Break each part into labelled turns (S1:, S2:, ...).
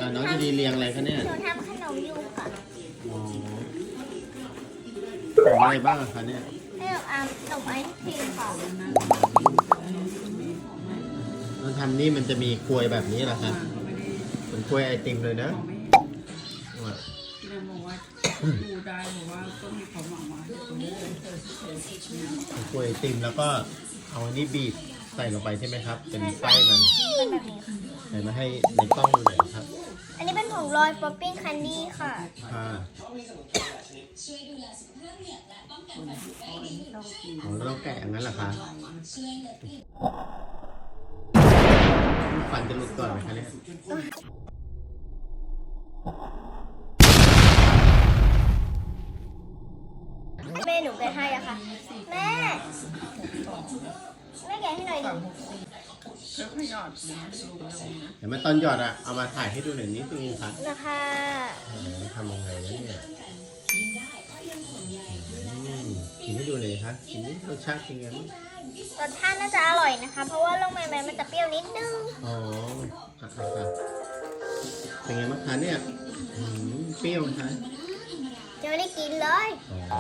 S1: น้องจะดีเรียงอะไรคะเนี่ย
S2: หนูทำขนมอยู่ค่ะ
S1: อ๋อของอะไรบ้างคะเนี่ย
S2: ให้หนูทำขนมไอศครีมค่ะ
S1: เราทำนี่มันจะมีกลวยแบบนี้เหรอคะเป็นกลวยไอติมเลยนะว่ะ
S3: นางบอกว่าดูได้บอกว่าก็มีความหวังว่าตรงนี้เลย
S1: เป็นกลวยไอติมแล้วก็เอาอันนี้บีบใส่ลงไปใช่ไหมครับ เป็นไส้มัน
S2: เป็นแบบนี้ค่ะ
S1: ใส่มาให้ในกล้องดูหน่อยครับ
S2: อันนี้เป็นผงโรยป๊อปปิ้งคันดี้ค่ะ
S1: ค่ะ
S3: คนที่เขาชอบกิน
S1: อ๋อแล้วเราแกะอย่างนั้นเหรอคะฟันจะหลุดก่อนไหมคะเนี่ย
S2: แม่หนูแกะให้อะค่ะ แม่แม่แกะให้หน่อยดิ
S3: แล้วก็หยอดนะดูลงนะ
S1: เดี๋ยวมาตอนหยอดอะเอามาถ่ายให้ดูหน่อยนิดนึงครับ
S2: นะคะ
S1: ทำยังไงนะเนี่ยกินให้ดูเลยครับกินนี่รสชาติเป็นไงบ้าง
S2: รสชาติน่าจะอร่อยนะคะ เพราะว่าลงใหม่ๆมันจะเปรี้ยวนิดนึง
S1: อ๋อเป็นไงบ้างคะเนี่ยเปรี้ยวนะคะ
S2: ยังไม่ได้กินเลย
S1: อ๋อ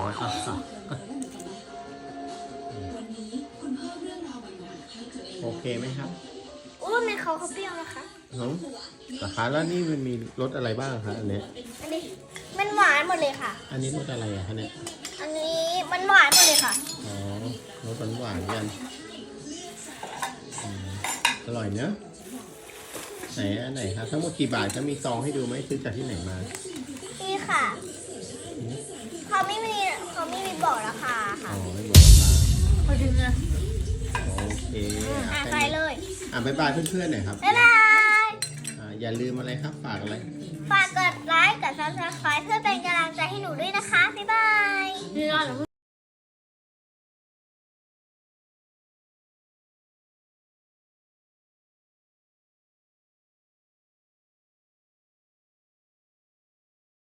S1: โอเคไหมครับ
S2: อู้ในเขาเปรี้ยวนะคะ
S1: ราคาแล้วนี่มันมีรสอะไรบ้างคะอันเนี้ย
S2: อันนี้มันหวานหมดเลยค่ะ
S1: อันนี้รสอะไรอะคะเนี่ย
S2: อันนี้มันหวานหมดเลยค่ะ
S1: อ๋อรสหวานๆกันอร่อยเนอะไหนอันไหนครับทั้งหมดกี่บาทจะมีซองให้ดูไหมซื้อจากที่ไหนมา
S2: นี่ค่ะเขาไม่มีบอกราคา
S1: อ๋
S2: ค่ะ
S1: อไม่บอกราคา
S2: พอดึงอะ
S1: โอเค
S2: ใส่เลย
S1: บ๊ายบายเพื่อนๆหน่อยครับ
S2: บ๊ายบาย
S1: อย่าลืมอะไรครับฝากอะไร
S2: ฝากกดไลค์ กด subscribe เพื่อเป็นกำลังใจ